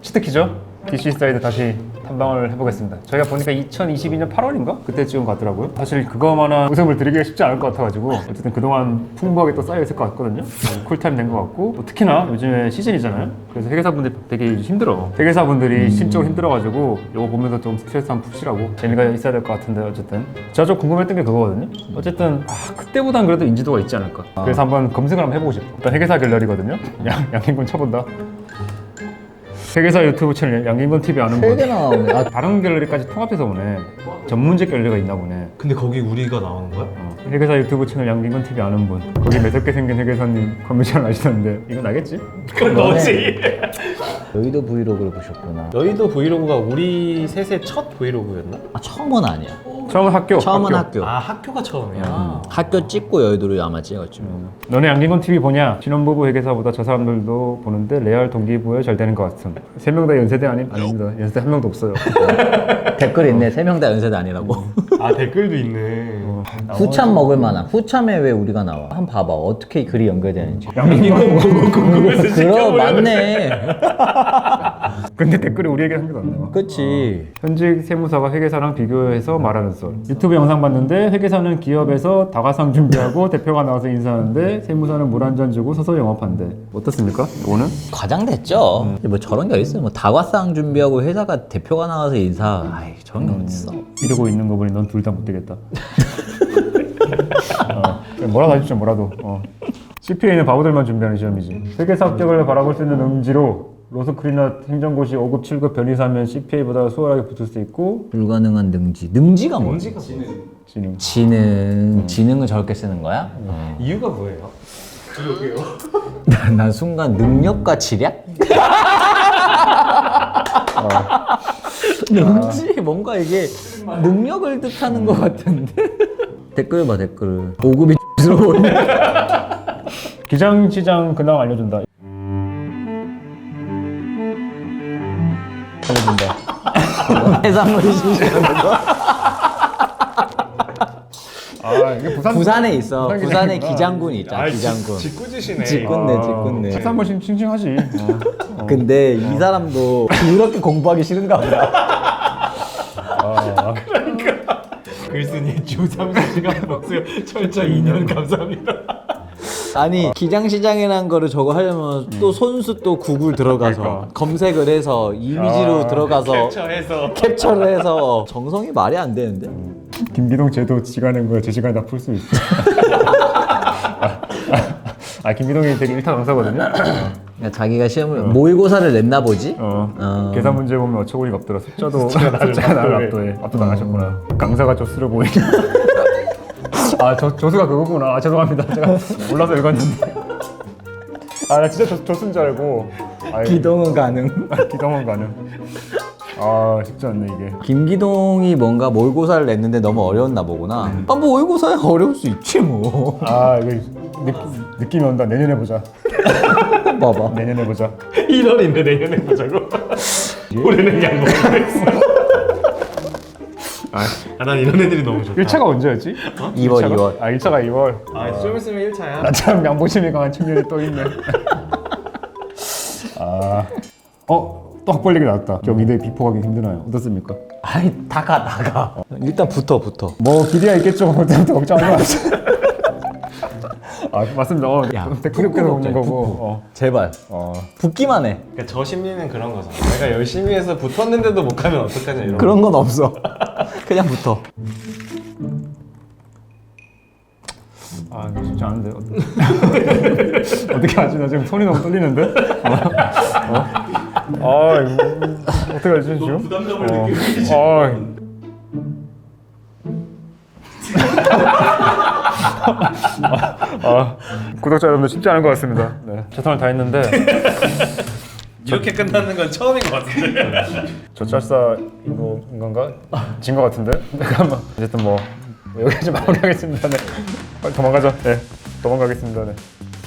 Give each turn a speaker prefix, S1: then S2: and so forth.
S1: 치트키죠? DC 사이드 다시 탐방을 해보겠습니다. 저희가 보니까 2022년 8월인가? 그때 찍은 것 같더라고요. 사실 그거만한 웃음을 드리기가 쉽지 않을 것 같아가지고 어쨌든 그동안 풍부하게 또 쌓여있을 것 같거든요. 쿨타임 된 것 같고 뭐 특히나 요즘에 시즌이잖아요. 그래서 회계사분들이 되게 힘들어. 회계사분들이 심적으로 힘들어가지고 이거 보면서 좀 스트레스 한번 푸시라고 재미가 있어야 될 것 같은데 어쨌든 제가 좀 궁금했던 게 그거거든요. 어쨌든 그때보단 그래도 인지도가 있지 않을까. 그래서 한번 검색을 한번 해보고 싶어. 일단 회계사 갤러리거든요. 양행군 쳐본다. 회계사 유튜브 채널 양김건 TV 아는 분.
S2: 3개 나오네.
S1: 다른 갤러리까지 통합해서 오네. 전문직 갤러리가 있나 보네.
S3: 근데 거기 우리가 나오는 거야?
S1: 회계사 유튜브 채널 양김건 TV 아는 분. 거기 매섭게 생긴 회계사님 컨벤션 아시던데 이건 알겠지?
S3: 그건 너지.
S2: 여의도 브이로그를 보셨구나.
S3: 여의도 브이로그가 우리 셋의 첫 브이로그였나?
S2: 처음은 아니야.
S1: 처음은 학교.
S2: 처음은 학교.
S3: 아 학교가 처음이야.
S2: 학교 찍고 여의도를 아마 찍었지.
S1: 너네 양김건 TV 보냐? 신혼부부 회계사보다 저 사람들도 보는데 레알 동기부여 잘 되는 것 같음. 3명 다 연세대 아닙니다. 연세대 한 명도 없어요.
S2: 댓글 있네. 3명 다 연세대 아니라고.
S3: 아 댓글도 있네.
S2: 후참 먹을 만한. 후참에 왜 우리가 나와? 한번 봐봐. 어떻게 글이 연결되는지.
S1: 양김건
S3: 궁금해서
S2: 그럼 맞네.
S1: 근데 댓글에 우리 얘기 한 개도 안 나와.
S2: 그치.
S1: 현직 세무사가 회계사랑 비교해서 말하는 썰. 유튜브 영상 봤는데 회계사는 기업에서 다과상 준비하고 대표가 나와서 인사하는데 세무사는 물 한 잔 주고 서서 영업한대. 어떻습니까? 이거는?
S2: 과장됐죠. 뭐 저런 게 어딨어. 뭐 다과상 준비하고 회사가 대표가 나와서 인사. 아이 저런 게 어딨어.
S1: 이러고 있는 거 보니 넌 둘 다 못 되겠다. 뭐라도 하십시오, 뭐라도. CPA는 바보들만 준비하는 시험이지. 회계사 합격을 바라볼 수 있는 음지로 로스쿨이나 행정고시 5급, 7급 변리사면 CPA보다 수월하게 붙을 수 있고
S2: 불가능한 능지. 능지가 뭐야?
S1: 지능.
S2: 지능을 저렇게 쓰는 거야?
S3: 이유가 뭐예요?
S2: 난 순간 능력과 지략? 능지 뭔가 이게 능력을 뜻하는 것 같은데. 댓글 봐 댓글. 5급이 스러워네.
S1: 기장시장 근황 알려준다. 알려준다.
S2: 해산물이 신시하는 거.
S1: 이게
S2: 부산에 있어.
S1: 부산
S2: 부산에
S1: 기장이구나.
S2: 기장군이 있잖아. 기장군.
S3: 직구지시네.
S2: 직군네.
S1: 해산물 싱싱하지.
S2: 근데 이 사람도 그렇게 공부하기 싫은가 보다.
S3: 글쓴이 주 30시간 복수 철저 2년 감사합니다.
S2: 아니 기장시장이라는 거를 저거 하려면 또 손수 또 구글 들어가서
S1: 그러니까.
S2: 검색을 해서 이미지로 들어가서 캡처를 해서 정성이 말이 안 되는데.
S1: 김기동 쟤도 지가 낸 거야. 제 시간에 다 풀 수 있어. 김기동이 되게 일타 강사거든요.
S2: 그러니까 자기가 시험을 모의고사를 냈나 보지?
S1: 계산 문제 보면 어처구니가 없더라. 숫자가 나를 압도해. 압도당하셨구나. 강사가 좀 쓰러 보이네. 조수가 그거구나. 죄송합니다. 제가 몰라서 읽었는데. 나 진짜 조수인 줄 알고.
S2: 기동은 가능.
S1: 기동은 가능. 쉽지 않네 이게.
S2: 김기동이 뭔가 모의고사를 냈는데 너무 어려웠나 보구나. 뭐 모의고사야 어려울 수 있지 뭐.
S1: 이게 느낌이 온다. 내년에 보자.
S2: 봐봐.
S1: 내년에 보자.
S3: 1월인데 내년에 보자고. 올해는 양보했어. 난 이런 애들이 너무 좋다.
S1: 1차가 언제였지?
S2: 2월.
S1: 1차가 2월.
S3: 좀 있으면 1차야.
S1: 나처럼 양보심이 강한 청년이 또 있네. 또 학벌 얘기 나왔다. 경희대 비포 가기 힘드나요? 어떻습니까?
S2: 다가. 일단 붙어.
S1: 뭐 기대가 있겠죠. 어쨌든 걱정하지 마세요. 맞습니다.
S2: 야,
S1: 댓글에
S2: 푸푸
S1: 오는 거고.
S2: 제발. 붙기만 해.
S3: 그러니까 저 심리는 그런 거잖아. 내가 열심히 해서 붙었는데도 못 가면 어떡하냐 이런.
S2: 그런 건 없어. 그냥 붙어.
S1: 이거 쉽지 않은데. 어떻게 하지? 나 지금 손이 너무 떨리는데? 이거 어떻게 하지 지금?
S3: 부담감을 느끼지.
S1: 구독자 여러분들 쉽지 않은 것 같습니다. 네, 최선을 다했는데
S3: 이렇게 끝나는 건 처음인 것 같은데.
S1: 저 짤사인 건가? 진 것 같은데? 잠깐만. 어쨌든 여기까지 마무리하겠습니다. 네. 빨리 도망가자. 네, 도망가겠습니다. 네.